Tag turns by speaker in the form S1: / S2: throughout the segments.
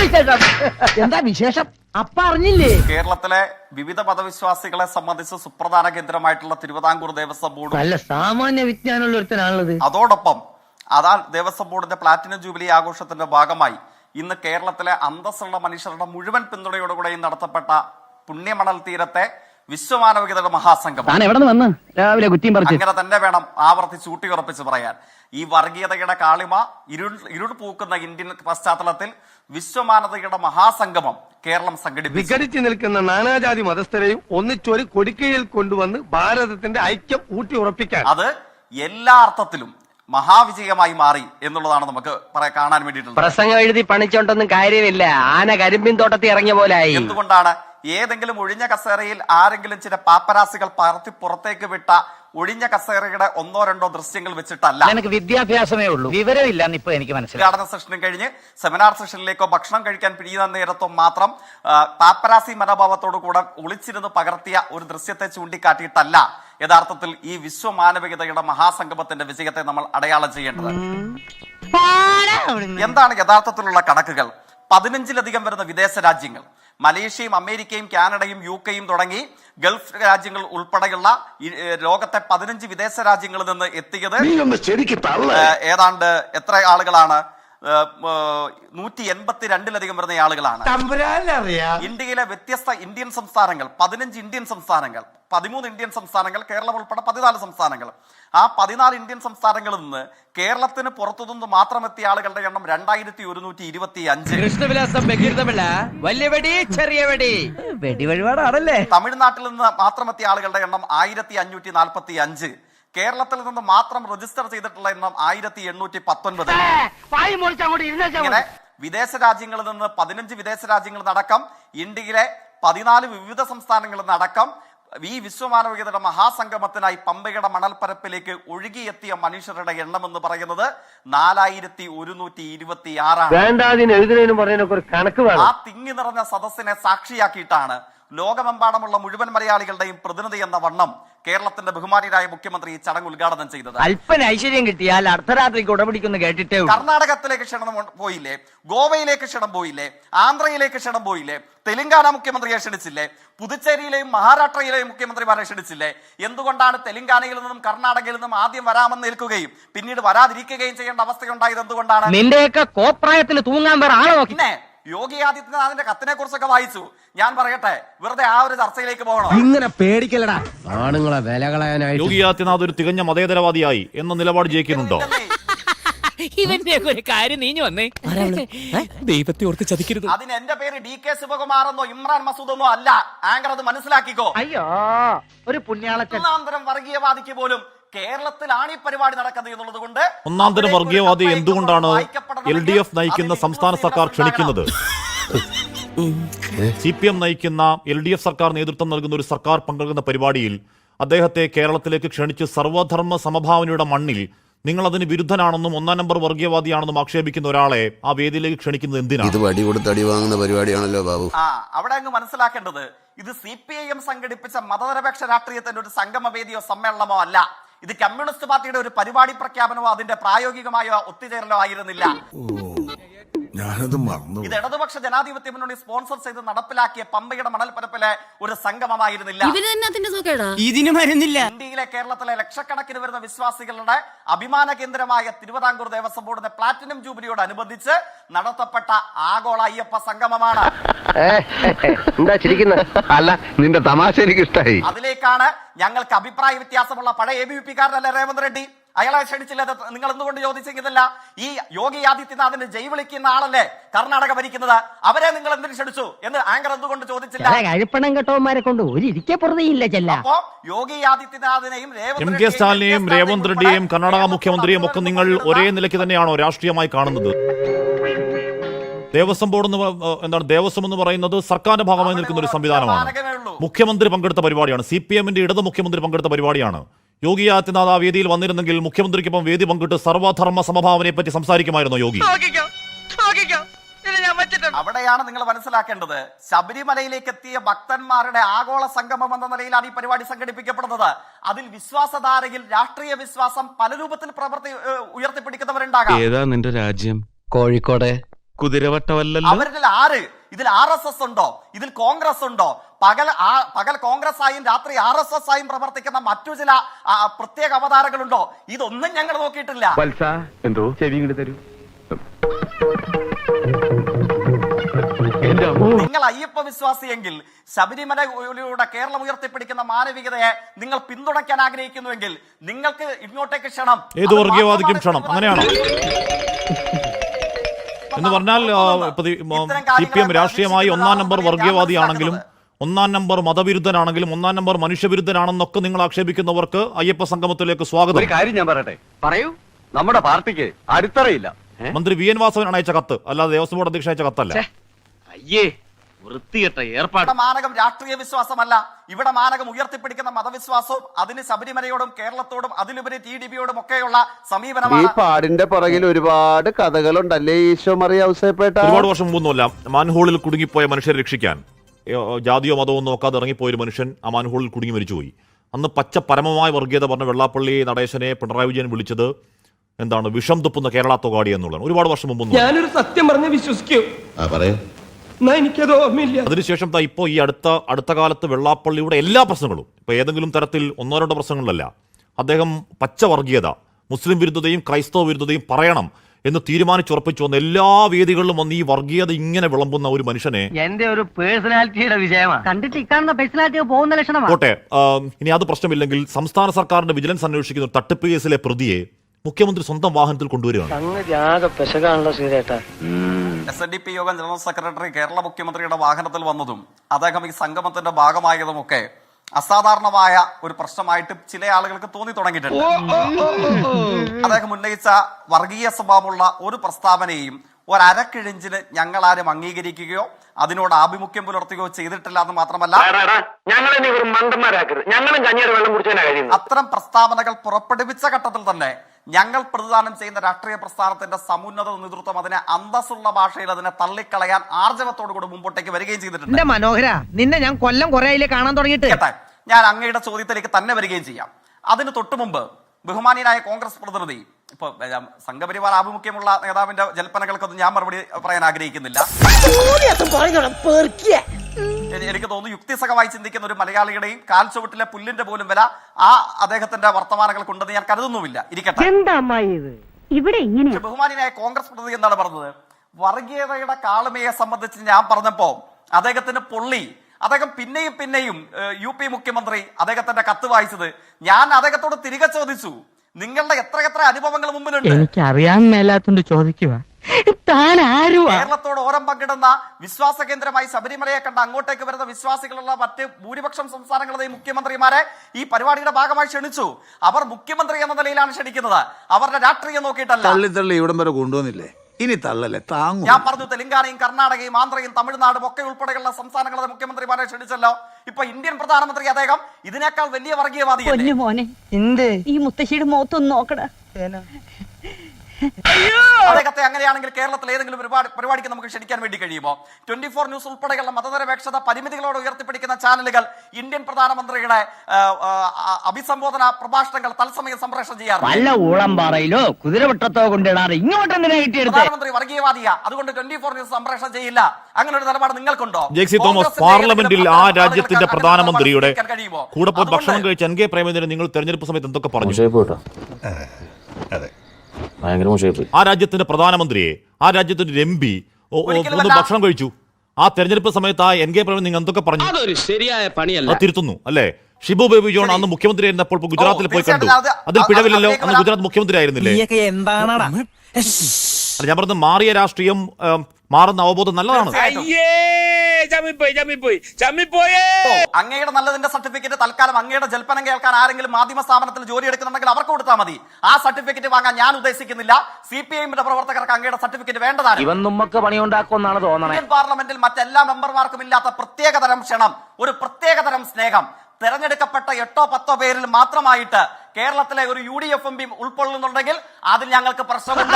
S1: എന്താ വിശേഷം? അപ്പ അറിഞ്ഞില്ലേ?
S2: കേരളത്തിലെ വിവിധ മതവിശ്വാസികളെ സംബന്ധിച്ച് സുപ്രധാന കേന്ദ്രമായിട്ടുള്ള തിരുവിതാംകൂർ ദേവസ്വം ബോർഡ്
S1: നല്ല സാമാന്യ വിജ്ഞാനമുള്ള ഒരുത്തനാണുള്ളത്.
S2: അതോടൊപ്പം ദേവസ്വം ബോർഡിന്റെ പ്ലാറ്റിനം ജൂബിലി ആഘോഷത്തിന്റെ ഭാഗമായി ഇന്ന് കേരളത്തിലെ അന്തസ്സുള്ള മനുഷ്യരുടെ മുഴുവൻ പിന്തുണയോടുകൂടെയും നടത്തപ്പെട്ട പുണ്യമണൽ തീരത്തെ വിശ്വമാനവികതയുടെ മഹാസംഗമം
S1: രാവിലെ കുറ്റിയും പറിച്ചു.
S2: അങ്ങനെ തന്നെ വേണം ആവർത്തിച്ച് ഊട്ടിയുറപ്പിച്ച് പറയാൻ. ഈ വർഗീയതയുടെ കാളിമ ഇരുൾ പൂക്കുന്ന ഇന്ത്യൻ പശ്ചാത്തലത്തിൽ വിശ്വമാനവികതയുടെ മഹാസംഗമം കേരളം സംഘടിപ്പിച്ചു.
S3: വിഘടിച്ചു നിൽക്കുന്ന നാനാജാതി മതസ്ഥരെയും ഒന്നിച്ചൊരു കൊടിക്കയിൽ കൊണ്ടുവന്ന് ഭാരതത്തിന്റെ ഐക്യം ഊട്ടി ഉറപ്പിക്കാൻ
S2: അത് എല്ലാ അർത്ഥത്തിലും മഹാവിജയമായി മാറി എന്നുള്ളതാണ് നമുക്ക് കാണാൻ വേണ്ടിയിട്ടുള്ളത്.
S1: പ്രസംഗം എഴുതി പണിച്ചോണ്ടൊന്നും കാര്യമില്ല. ആന കരിമ്പിൻ തോട്ടത്തിൽ ഇറങ്ങിയ പോലായി.
S2: എന്തുകൊണ്ടാണ് ഏതെങ്കിലും ഒഴിഞ്ഞ കസേരയിൽ ആരെങ്കിലും ചില പാപ്പരാസികൾ പറത്തി പുറത്തേക്ക് വിട്ട ഒഴിഞ്ഞ കസേരയുടെ ഒന്നോ രണ്ടോ ദൃശ്യങ്ങൾ വെച്ചിട്ടല്ല.
S1: എനിക്ക് വിദ്യാഭ്യാസമേ ഉള്ളൂ, വിവരമില്ല ഇപ്പൊ എനിക്ക് മനസ്സിലായി.
S2: ഉദ്ഘാടന സെഷനും കഴിഞ്ഞ് സെമിനാർ സെഷനിലേക്കോ ഭക്ഷണം കഴിക്കാൻ പിരിയുന്ന നേരത്തോ മാത്രം പാപ്പരാസി മനോഭാവത്തോടു കൂടെ ഒളിച്ചിരുന്ന് പകർത്തിയ ഒരു ദൃശ്യത്തെ ചൂണ്ടിക്കാട്ടിയിട്ടല്ല യഥാർത്ഥത്തിൽ ഈ വിശ്വമാനവികതയുടെ മഹാസംഗമത്തിന്റെ വിജയത്തെ നമ്മൾ അടയാളം ചെയ്യേണ്ടത്. എന്താണ് യഥാർത്ഥത്തിലുള്ള കണക്കുകൾ? 15ലധികം വരുന്ന വിദേശ രാജ്യങ്ങൾ, മലേഷ്യയും അമേരിക്കയും കാനഡയും UK തുടങ്ങി ഗൾഫ് രാജ്യങ്ങൾ ഉൾപ്പെടെയുള്ള ലോകത്തെ 15 വിദേശ രാജ്യങ്ങളിൽ നിന്ന് എത്തിയത് ഏതാണ്ട് എത്ര ആളുകളാണ്? 182ലധികം വരുന്ന ആളുകളാണ്. ഇന്ത്യയിലെ വ്യത്യസ്ത ഇന്ത്യൻ സംസ്ഥാനങ്ങൾ 15 ഇന്ത്യൻ സംസ്ഥാനങ്ങൾ, 13 ഇന്ത്യൻ സംസ്ഥാനങ്ങൾ, കേരളം ഉൾപ്പെടെ 14 സംസ്ഥാനങ്ങൾ. ആ 14 ഇന്ത്യൻ സംസ്ഥാനങ്ങളിൽ നിന്ന് കേരളത്തിന് പുറത്തുനിന്ന് മാത്രം എത്തിയ ആളുകളുടെ എണ്ണം 2125.
S1: കൃഷ്ണവിലാസം വെടിവഴിപാടാണല്ലേ.
S2: തമിഴ്നാട്ടിൽ നിന്ന് മാത്രം എത്തിയ ആളുകളുടെ എണ്ണം 1545. കേരളത്തിൽ നിന്ന് മാത്രം രജിസ്റ്റർ ചെയ്തിട്ടുള്ള എണ്ണം 1819. ഇങ്ങനെ വിദേശ രാജ്യങ്ങളിൽ നിന്ന് 15 വിദേശ രാജ്യങ്ങളിൽ നടക്കം ഇന്ത്യയിലെ 14 വിവിധ സംസ്ഥാനങ്ങളിൽ നടക്കം ഈ വിശ്വമാനവികതയുടെ മഹാസംഗമത്തിനായി പമ്പയുടെ മണൽപ്പരപ്പിലേക്ക് ഒഴുകിയെത്തിയ മനുഷ്യരുടെ എണ്ണം എന്ന് പറയുന്നത് 4126. ആ തിങ്ങി നിറഞ്ഞ സദസ്സിനെ സാക്ഷിയാക്കിയിട്ടാണ് ലോകമെമ്പാടുമുള്ള മുഴുവൻ മലയാളികളുടെയും പ്രതിനിധി എന്ന വണ്ണം കേരളത്തിന്റെ ബഹുമാനിയായ മുഖ്യമന്ത്രി ഈ ചടങ്ങ് ഉദ്ഘാടനം ചെയ്തത്.
S1: അല്പന ഐശ്വര്യം കിട്ടിയാൽ അർദ്ധരാത്രിക്ക് ഉടപിടിക്കുന്ന കേട്ടിട്ടേ.
S2: കർണാടകത്തിലേക്ക് ക്ഷണം പോയില്ലേ? ഗോവയിലേക്ക് ക്ഷണം പോയില്ലേ? ആന്ധ്രയിലേക്ക് ക്ഷണം പോയില്ലേ? തെലങ്കാന മുഖ്യമന്ത്രിയെ ക്ഷണിച്ചില്ലേ? പുതുച്ചേരിയിലെയും മഹാരാഷ്ട്രയിലെയും മുഖ്യമന്ത്രിമാരെ ക്ഷണിച്ചില്ലേ? എന്തുകൊണ്ടാണ് തെലങ്കാനയിൽ നിന്നും കർണാടകയിൽ നിന്നും ആദ്യം വരാമെന്ന് നിൽക്കുകയും പിന്നീട് വരാതിരിക്കുകയും ചെയ്യേണ്ട അവസ്ഥയുണ്ടായത്? എന്തുകൊണ്ടാണ്?
S1: നിന്റെയൊക്കെ കോപ്രായത്തിൽ തൂങ്ങാൻ വേറെ ആളെ നോക്കി.
S2: പിന്നെ യോഗി ആദിത്യനാഥിന്റെ കത്തിനെ കുറിച്ചൊക്കെ വായിച്ചു. ഞാൻ പറയട്ടെ, വെറുതെ ആ ഒരു ചർച്ചയിലേക്ക് പോകണോ?
S3: ഇങ്ങനെ പേടിക്കലടാ ആണുങ്ങളെ വില കളയാനായി.
S4: യോഗി ആദിത്യനാഥ് ഒരു തികഞ്ഞ മതേതരവാദിയായി എന്ന നിലപാട് ജയിക്കുന്നുണ്ടോ?
S5: ഇവന്റെ ഒരു കാര്യം നീഞ്ഞു വന്നേ. ദൈവത്തെ ഓർത്ത് ചതിക്കരുത്.
S2: അതിന് എന്റെ പേര് DK ശിവകുമാർ എന്നോ ഇമ്രാൻ മസൂദ് എന്നോ അല്ല. ആങ്കർ അത് മനസ്സിലാക്കിക്കോ.
S1: അയ്യോ, ഒരു പുണ്യാളച്ചൻ.
S2: ഒന്നാന്തരം വർഗീയവാദിക്ക് പോലും കേരളത്തിലാണ് ഈ പരിപാടി നടക്കുന്നത് എന്നുള്ളത് കൊണ്ട്
S4: ഒന്നാന്തരം വർഗീയവാദി എന്തുകൊണ്ടാണ് LDF നയിക്കുന്ന സംസ്ഥാന സർക്കാർ ക്ഷണിക്കുന്നത്? CPM നയിക്കുന്ന LDF സർക്കാർ നേതൃത്വം നൽകുന്ന ഒരു സർക്കാർ പങ്കെടുക്കുന്ന പരിപാടിയിൽ അദ്ദേഹത്തെ കേരളത്തിലേക്ക് ക്ഷണിച്ച് സർവധർമ്മ സമഭാവനയുടെ മണ്ണിൽ നിങ്ങൾ അതിന് വിരുദ്ധനാണെന്നും 1-ാം നമ്പർ വർഗീയവാദിയാണെന്നും ആക്ഷേപിക്കുന്ന ഒരാളെ ആ വേദിയിലേക്ക് ക്ഷണിക്കുന്നത് എന്തിനാണ്?
S6: ഇത് വടി കൊടുത്ത് അടി വാങ്ങുന്ന പരിപാടിയാണല്ലോ ബാബു.
S2: അവിടെ അങ്ങ് മനസ്സിലാക്കേണ്ടത് ഇത് CPIM സംഘടിപ്പിച്ച മതനിരപേക്ഷ രാഷ്ട്രീയത്തിന്റെ ഒരു സംഗമവേദിയോ സമ്മേളനമോ അല്ല. ഇത് കമ്മ്യൂണിസ്റ്റ് പാർട്ടിയുടെ ഒരു പരിപാടി പ്രഖ്യാപനമോ അതിന്റെ പ്രായോഗികമായ ഒത്തുചേരലോ ആയിരുന്നില്ല. ഇത് ഇടതുപക്ഷ ജനാധിപത്യ മുന്നണി സ്പോൺസർ ചെയ്ത് നടപ്പിലാക്കിയ പമ്പയുടെ മണൽപ്പരപ്പിലെ ഒരു സംഗമമായിരുന്നില്ല. ഇന്ത്യയിലെ കേരളത്തിലെ ലക്ഷക്കണക്കിന് വരുന്ന വിശ്വാസികളുടെ അഭിമാന കേന്ദ്രമായ തിരുവിതാംകൂർ ദേവസ്വം ബോർഡിന്റെ പ്ലാറ്റിനം ജൂബിലിയോടനുബന്ധിച്ച് നടത്തപ്പെട്ട ആഗോള അയ്യപ്പ സംഗമമാണ്.
S3: അല്ല, നിന്റെ തമാശ എനിക്ക് ഇഷ്ടായി.
S2: അതിലേക്കാണ് ഞങ്ങൾക്ക് അഭിപ്രായ വ്യത്യാസമുള്ള പഴയ ABVP-കാരനല്ലേ റേവന്ത് റെഡ്ഡി? അയാളെ ക്ഷണിച്ചില്ല. നിങ്ങൾ എന്തുകൊണ്ട് ചോദിച്ചെങ്കിലല്ല? ഈ യോഗി ആദിത്യനാഥിന്റെ ജയ് വിളിക്കുന്ന ആളല്ലേ കർണാടക ഭരിക്കുന്നത്? അവരെ നിങ്ങൾ എന്തിനു ക്ഷണിച്ചു എന്ന് ആങ്കർ എന്തുകൊണ്ട് ചോദിച്ചില്ല?
S1: കെട്ടവന്മാരെ കൊണ്ട് ഒരു
S2: അപ്പോ യോഗി ആദിത്യനാഥിനെയും
S4: MK സ്റ്റാലിനെയും രേവന്ത് റെഡ്ഡിയെയും കർണാടക മുഖ്യമന്ത്രിയെയും ഒക്കെ നിങ്ങൾ ഒരേ നിലയ്ക്ക് തന്നെയാണോ രാഷ്ട്രീയമായി കാണുന്നത്? ദേവസ്വം ബോർഡ് എന്താണ്? ദേവസ്വം എന്ന് പറയുന്നത് സർക്കാരിന്റെ ഭാഗമായി നിൽക്കുന്ന ഒരു സംവിധാനമാണ്. മുഖ്യമന്ത്രി പങ്കെടുത്ത പരിപാടിയാണ്. CPM-ന്റെ ഇടത് മുഖ്യമന്ത്രി പങ്കെടുത്ത പരിപാടിയാണ്. യോഗി ആദിത്യനാഥ് ആ വേദിയിൽ വന്നിരുന്നെങ്കിൽ മുഖ്യമന്ത്രിക്കൊപ്പം വേദി പങ്കിട്ട് സർവധർമ്മ സമഭാവനയെ പറ്റി സംസാരിക്കുമായിരുന്നു യോഗി.
S2: അവിടെയാണ് നിങ്ങൾ മനസ്സിലാക്കേണ്ടത്. ശബരിമലയിലേക്ക് എത്തിയ ഭക്തന്മാരുടെ ആഗോള സംഗമം എന്ന നിലയിലാണ് ഈ പരിപാടി സംഘടിപ്പിക്കപ്പെടുന്നത്. അതിൽ വിശ്വാസധാരയിൽ രാഷ്ട്രീയ വിശ്വാസം പല രൂപത്തിൽ ഉയർത്തിപ്പിടിക്കുന്നവരുണ്ടാകാം.
S7: ഏതാ നിന്റെ രാജ്യം?
S1: കോഴിക്കോട്.
S7: കുതിരവട്ടമല്ലല്ലോ.
S2: അവരിൽ ആര്? ഇതിൽ RSS ഉണ്ടോ? ഇതിൽ കോൺഗ്രസ് ഉണ്ടോ? പകൽ കോൺഗ്രസ് ആയും രാത്രി RSS ആയും പ്രവർത്തിക്കുന്ന മറ്റു ചില പ്രത്യേക അവതാരങ്ങളുണ്ടോ? ഇതൊന്നും ഞങ്ങൾ നോക്കിയിട്ടില്ല.
S3: എന്തോ ചെവി ഇങ്ങോട്ട് തരൂ.
S2: നിങ്ങൾ അയ്യപ്പ വിശ്വാസിയെങ്കിൽ ശബരിമലയിലൂടെ കേരളം ഉയർത്തിപ്പിടിക്കുന്ന മാനവികതയെ നിങ്ങൾ പിന്തുണയ്ക്കാൻ ആഗ്രഹിക്കുന്നുവെങ്കിൽ നിങ്ങൾക്ക് ഇങ്ങോട്ടേക്ക് ക്ഷണം.
S4: ഏത് വർഗീയവാദിക്കും ക്ഷണം, അങ്ങനെയാണോ? എന്ന് പറഞ്ഞാൽ CPM രാഷ്ട്രീയമായി 1-ാം നമ്പർ വർഗീയവാദിയാണെങ്കിലും 1-ാം നമ്പർ മതവിരുദ്ധനാണെങ്കിലും 1-ാം നമ്പർ മനുഷ്യവിരുദ്ധനാണെന്നൊക്കെ നിങ്ങൾ ആക്ഷേപിക്കുന്നവർക്ക് അയ്യപ്പ സംഗമത്തിലേക്ക് സ്വാഗതം.
S3: ഒരു കാര്യം ഞാൻ പറയട്ടെ, പറയൂ. നമ്മുടെ പാർട്ടിക്ക് അടിത്തറയില്ല.
S4: മന്ത്രി VN വാസവനാണ് അയച്ച കത്ത്, അല്ലാതെ ദേവസ്വം ബോർഡ് അധ്യക്ഷ അയച്ച കത്തല്ല.
S3: അയ്യേ, വൃത്തികെട്ട ഏർപ്പാട്.
S2: ഇവിടെ മാനകം രാഷ്ട്രീയ വിശ്വാസമല്ല, ഇവിടെ മാനകം ഉയർത്തിപ്പിടിക്കുന്ന മതവിശ്വാസവും അതിന് ശബരിമലയോടും കേരളത്തോടും അതിലുപരി TDPയോടും ഒക്കെയുള്ള സമീപനമാണ്.
S6: ഈ പാടിന്റെ പുറകിൽ ഒരുപാട് കഥകളുണ്ടല്ലേ ഈശോ മറിയ ഔസേപ്പേട്ട.
S4: ഒരുപാട് വർഷം മുമ്പൊന്നുമല്ല, മാൻഹോളിൽ കുടുങ്ങിപ്പോയ മനുഷ്യരെ രക്ഷിക്കാൻ ജാതിയോ മതമോ നോക്കാതെ ഇറങ്ങിപ്പോയൊരു മനുഷ്യൻ ആ മാൻഹോളിൽ കുടുങ്ങി മരിച്ചുപോയി. അന്ന് പച്ച പരമമായ വർഗീയത പറഞ്ഞ വെള്ളാപ്പള്ളി നടേശനെ പിണറായി വിജയൻ വിളിച്ചത് എന്താണ്? വിഷം തുപ്പുന്ന കേരള തൊഗാടി എന്നുള്ളതാണ്. ഒരുപാട് വർഷം മുമ്പൊന്നും.
S3: ഞാനൊരു സത്യം പറഞ്ഞ് വിശ്വസിക്കൂ. എനിക്കത് ഓർമ്മയില്ല.
S4: അതിനുശേഷം ഇപ്പോൾ ഈ അടുത്ത കാലത്ത് വെള്ളാപ്പള്ളിയുടെ എല്ലാ പ്രശ്നങ്ങളും, ഇപ്പൊ ഏതെങ്കിലും തരത്തിൽ 1-2 പ്രശ്നങ്ങളിലല്ല, അദ്ദേഹം പച്ച വർഗീയത, മുസ്ലിം വിരുദ്ധതയും ക്രൈസ്തവ വിരുദ്ധതയും പറയണം എന്ന് തീരുമാനിച്ചുറപ്പിച്ചു വന്ന എല്ലാ വേദികളിലും വന്ന് ഈ വർഗീയത ഇങ്ങനെ വിളമ്പുന്ന ഒരു മനുഷ്യനെ
S1: എന്റെ ഒരു പേഴ്സണാലിറ്റിയുടെ വിജയമാണ്. കണ്ടിട്ട് ഇക്കാണുന്ന പേഴ്സണാലിറ്റി പോകുന്ന ലക്ഷണമാണ്.
S4: കോട്ടെ, ഇനി അത് പ്രശ്നമില്ലെങ്കിൽ സംസ്ഥാന സർക്കാരിന്റെ വിജിലൻസ് അന്വേഷിക്കുന്ന ഒരു തട്ടിപ്പ് കേസിലെ പ്രതിയെ മുഖ്യമന്ത്രി സ്വന്തം വാഹനത്തിൽ കൊണ്ടുവരികയാണ്.
S2: SNDP യോഗം ജനറൽ സെക്രട്ടറി കേരള മുഖ്യമന്ത്രിയുടെ വാഹനത്തിൽ വന്നതും അദ്ദേഹം ഈ സംഗമത്തിന്റെ ഭാഗമായതുമൊക്കെ അസാധാരണമായ ഒരു പ്രശ്നമായിട്ട് ചില ആളുകൾക്ക് തോന്നി തുടങ്ങിയിട്ടുണ്ട്. അദ്ദേഹം ഉന്നയിച്ച വർഗീയ സ്വഭാവമുള്ള ഒരു പ്രസ്താവനയും ഒരക്കിഴിഞ്ചിന് ഞങ്ങളാരും അംഗീകരിക്കുകയോ അതിനോട് ആഭിമുഖ്യം പുലർത്തുകയോ ചെയ്തിട്ടില്ല എന്ന് മാത്രമല്ല, അത്തരം പ്രസ്താവനകൾ പുറപ്പെടുവിച്ച ഘട്ടത്തിൽ തന്നെ ഞങ്ങൾ പ്രതിദാനം ചെയ്യുന്ന രാഷ്ട്രീയ പ്രസ്ഥാനത്തിന്റെ സമുന്നത നേതൃത്വം അതിനെ അന്തസ്സുള്ള ഭാഷയിൽ അതിനെ തള്ളിക്കളയാൻ ആർജവത്തോടുകൂടി മുമ്പോട്ടേക്ക് വരികയും ചെയ്തിട്ടുണ്ട്.
S1: മനോഹര, നിന്നെ ഞാൻ കൊല്ലം കുറേ കാണാൻ തുടങ്ങിയിട്ട്.
S2: ഞാൻ അങ്ങയുടെ ചോദ്യത്തിലേക്ക് തന്നെ വരികയും ചെയ്യാം. അതിന് തൊട്ടു മുമ്പ് ബഹുമാനിയനായ കോൺഗ്രസ് പ്രതിനിധി, ഇപ്പൊ സംഘപരിവാർ ആഭിമുഖ്യമുള്ള നേതാവിന്റെ ജൽപ്പനകൾക്കൊന്നും ഞാൻ മറുപടി പറയാൻ ആഗ്രഹിക്കുന്നില്ല. എനിക്ക് തോന്നുന്നു യുക്തിസഹമായി ചിന്തിക്കുന്ന ഒരു മലയാളിയുടെയും കാൽ ചുവട്ടിലെ പുല്ലിന്റെ പോലും വില ആ അദ്ദേഹത്തിന്റെ വർത്തമാനങ്ങൾക്കുണ്ടെന്ന് ഞാൻ കരുതുന്നുമില്ല. ഇരിക്കട്ടെ. ബഹുമാനിയായ കോൺഗ്രസ് പ്രതിനിധി എന്താണ് പറഞ്ഞത്? വർഗീയതയുടെ കാളുമയെ സംബന്ധിച്ച് ഞാൻ പറഞ്ഞപ്പോ അദ്ദേഹത്തിന് പൊള്ളി. അദ്ദേഹം പിന്നെയും UP മുഖ്യമന്ത്രി അദ്ദേഹത്തിന്റെ കത്ത് വായിച്ചത് ഞാൻ അദ്ദേഹത്തോട് തിരികെ ചോദിച്ചു, നിങ്ങളുടെ എത്ര അനുഭവങ്ങൾ മുമ്പിലുണ്ട്?
S1: എനിക്ക് അറിയാൻ മേലാത്തോണ്ട് ചോദിക്കുക.
S2: കേരളത്തോട് ഓരം പങ്കിടുന്ന വിശ്വാസ കേന്ദ്രമായി ശബരിമലയെ കണ്ട അങ്ങോട്ടേക്ക് വരുന്ന വിശ്വാസികളുള്ള മറ്റ് ഭൂരിപക്ഷം സംസ്ഥാനങ്ങളുടെയും മുഖ്യമന്ത്രിമാരെ ഈ പരിപാടിയുടെ ഭാഗമായി ക്ഷണിച്ചു. അവർ മുഖ്യമന്ത്രി എന്ന നിലയിലാണ് ക്ഷണിക്കുന്നത്, അവരുടെ രാഷ്ട്രീയം നോക്കിയിട്ടല്ല.
S8: തള്ളി ഇവിടം വരെ കൊണ്ടുവന്നില്ലേ, ഇനി തള്ളല്ലേ താങ്ങും.
S2: ഞാൻ പറഞ്ഞു, തെലങ്കാനയും കർണാടകയും ആന്ധ്രയും തമിഴ്നാടും ഒക്കെ ഉൾപ്പെടെയുള്ള സംസ്ഥാനങ്ങളുടെ മുഖ്യമന്ത്രിമാരെ ക്ഷണിച്ചല്ലോ. ഇപ്പൊ ഇന്ത്യൻ പ്രധാനമന്ത്രി അദ്ദേഹം ഇതിനേക്കാൾ വലിയ വർഗീയവാദിയല്ലേ?
S9: ഈ മുത്തശ്ശിയുടെ മുഖത്തൊന്ന് നോക്കടാ.
S2: അദ്ദേഹത്തെ അങ്ങനെയാണെങ്കിൽ കേരളത്തിൽ ഏതെങ്കിലും പരിപാടിക്ക് നമുക്ക് ക്ഷണിക്കാൻ വേണ്ടി കഴിയുമോ? 24 ന്യൂസ് ഉൾപ്പെടെയുള്ള മതനിരപേക്ഷത പരിമിതികളോട് ഉയർത്തിപ്പിടിക്കുന്ന ചാനലുകൾ ഇന്ത്യൻ പ്രധാനമന്ത്രിയുടെ അഭിസംബോധന പ്രഭാഷണങ്ങൾ തത്സമയം സംപ്രേഷണം ചെയ്യാറുണ്ട്.
S1: വല്ല ഊളംപാറയിലോ കുതിരവട്ടത്തോ കൊണ്ടിടാറ് ഇങ്ങോട്ട്
S2: പ്രധാനമന്ത്രി വർഗീയവാദിയ, അതുകൊണ്ട് 24 ന്യൂസ് സംപ്രേഷണം ചെയ്യില്ല. അങ്ങനെ ഒരു നിലപാട് നിങ്ങൾക്കുണ്ടോ?
S4: ജെക്സി തോമസ്, പാർലമെന്റിൽ ആ രാജ്യത്തിന്റെ പ്രധാനമന്ത്രിയുടെ കൂടെ പോയി ഭക്ഷണം കഴിച്ച NK പ്രേമചന്ദ്രൻ നിങ്ങൾ തെരഞ്ഞെടുപ്പ് സമയത്ത് എന്തൊക്കെ പറഞ്ഞു? ആ രാജ്യത്തിന്റെ പ്രധാനമന്ത്രിയെ, ആ രാജ്യത്തിന്റെ MP ഒന്ന് ഭക്ഷണം കഴിച്ചു. ആ തെരഞ്ഞെടുപ്പ് സമയത്ത് ആ NK പ്രേമൻ നിങ്ങൾ എന്തൊക്കെ പറഞ്ഞു?
S5: ശരിയായ പണിയല്ല.
S4: തിരുത്തുന്നു അല്ലേ? ഷിബു ബേബി ജോൺ അന്ന് മുഖ്യമന്ത്രി ആയിരുന്നപ്പോൾ ഗുജറാത്തിൽ പോയി കണ്ടു. അതിൽ പിഴവില്ലല്ലോ, അന്ന് ഗുജറാത്ത് മുഖ്യമന്ത്രി ആയിരുന്നില്ലേ? ഞാൻ പറഞ്ഞത് മാറിയ രാഷ്ട്രീയം മാറുന്ന അവബോധം നല്ലതാണ്.
S2: അങ്ങയുടെ നല്ലതിന്റെ സർട്ടിഫിക്കറ്റ് തൽക്കാലം അങ്ങയുടെ ജൽപ്പനം കേൾക്കാൻ ആരെങ്കിലും മാധ്യമ സ്ഥാപനത്തിൽ ജോലി എടുക്കുന്നുണ്ടെങ്കിൽ അവർക്ക് കൊടുത്താൽ മതി. ആ സർട്ടിഫിക്കറ്റ് വാങ്ങാൻ ഞാൻ ഉദ്ദേശിക്കുന്നില്ല. CPIന്റെ പ്രവർത്തകർക്ക് അങ്ങയുടെ സർട്ടിഫിക്കറ്റ് വേണ്ടതാണ്.
S1: ഇവൻ നമുക്ക് പണിയുണ്ടാക്കുമെന്നാണ് തോന്നണേ.
S2: ഇന്ത്യൻ പാർലമെന്റിൽ മറ്റെല്ലാ മെമ്പർമാർക്കും ഇല്ലാത്ത പ്രത്യേകതരം ക്ഷണം, ഒരു പ്രത്യേകതരം സ്നേഹം തെരഞ്ഞെടുക്കപ്പെട്ട 8-10 പേരിൽ മാത്രമായിട്ട് കേരളത്തിലെ ഒരു UDF MP ഉൾക്കൊള്ളുന്നുണ്ടെങ്കിൽ അതിൽ ഞങ്ങൾക്ക് പ്രശ്നമുണ്ട്.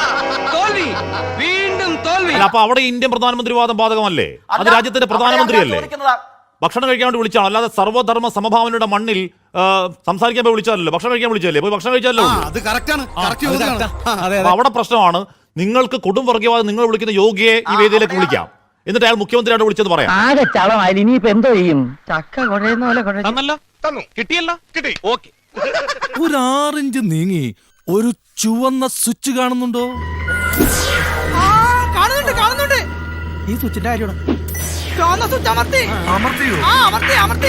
S4: അപ്പൊ അവിടെ ഇന്ത്യൻ പ്രധാനമന്ത്രി വാദം ബാധകമല്ലേ? അത് രാജ്യത്തിന്റെ പ്രധാനമന്ത്രിയല്ലേ? ഭക്ഷണം കഴിക്കാൻ വേണ്ടി വിളിച്ചാണ്, അല്ലാതെ സർവ്വധർമ്മ സമഭാവനയുടെ മണ്ണിൽ സംസാരിക്കാൻ പോയി വിളിച്ചാലല്ലോ. ഭക്ഷണം കഴിക്കാൻ വിളിച്ചല്ലേ? പോയി ഭക്ഷണം കഴിച്ചാലോ.
S8: അത് കറക്റ്റാണ്.
S4: അവിടെ പ്രശ്നമാണ്. നിങ്ങൾക്ക് കൊടും വർഗീയവാദം നിങ്ങൾ വിളിക്കുന്ന യോഗിയെ ഈ വേദിയിലേക്ക് വിളിക്കാം, എന്നിട്ട് അയാൾ മുഖ്യമന്ത്രിയായിട്ട് വിളിച്ചത് പറയാം.
S1: ആകെ ചളമായി ഇനിയിപ്പോ എന്തോ ചെയ്യും? ചക്ക കുഴയുന്ന പോലെ കുഴഞ്ഞു.
S3: തന്നു കിട്ടിയല്ല കിട്ടി ഓക്കെ.
S7: ഒരു 6 ഇഞ്ച് നീങ്ങി ഒരു ചുവന്ന സ്വിച്ച് കാണുന്നുണ്ടോ?
S5: കാണുന്നുണ്ട് കാണുന്നുണ്ട്.
S7: ഈ സ്വിച്ചിന്റെ കാര്യമാണ്.
S5: ചുവന്ന സ്വിച്ച് അമർത്തി.
S7: അമർത്തിയോ?
S5: ആ അമർത്തി അമർത്തി.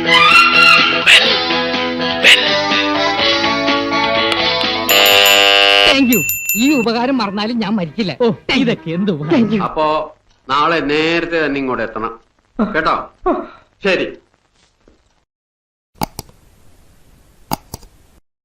S1: Thank you. ഈ ഉപകാരം മറന്നാലും ഞാൻ മരിക്കില്ല. ഇതൊക്കെ എന്ത്
S6: അപ്പോ നാളെ നേരത്തെ തന്നെ ഇങ്ങോട്ട് എത്തണം കേട്ടോ. ശരി.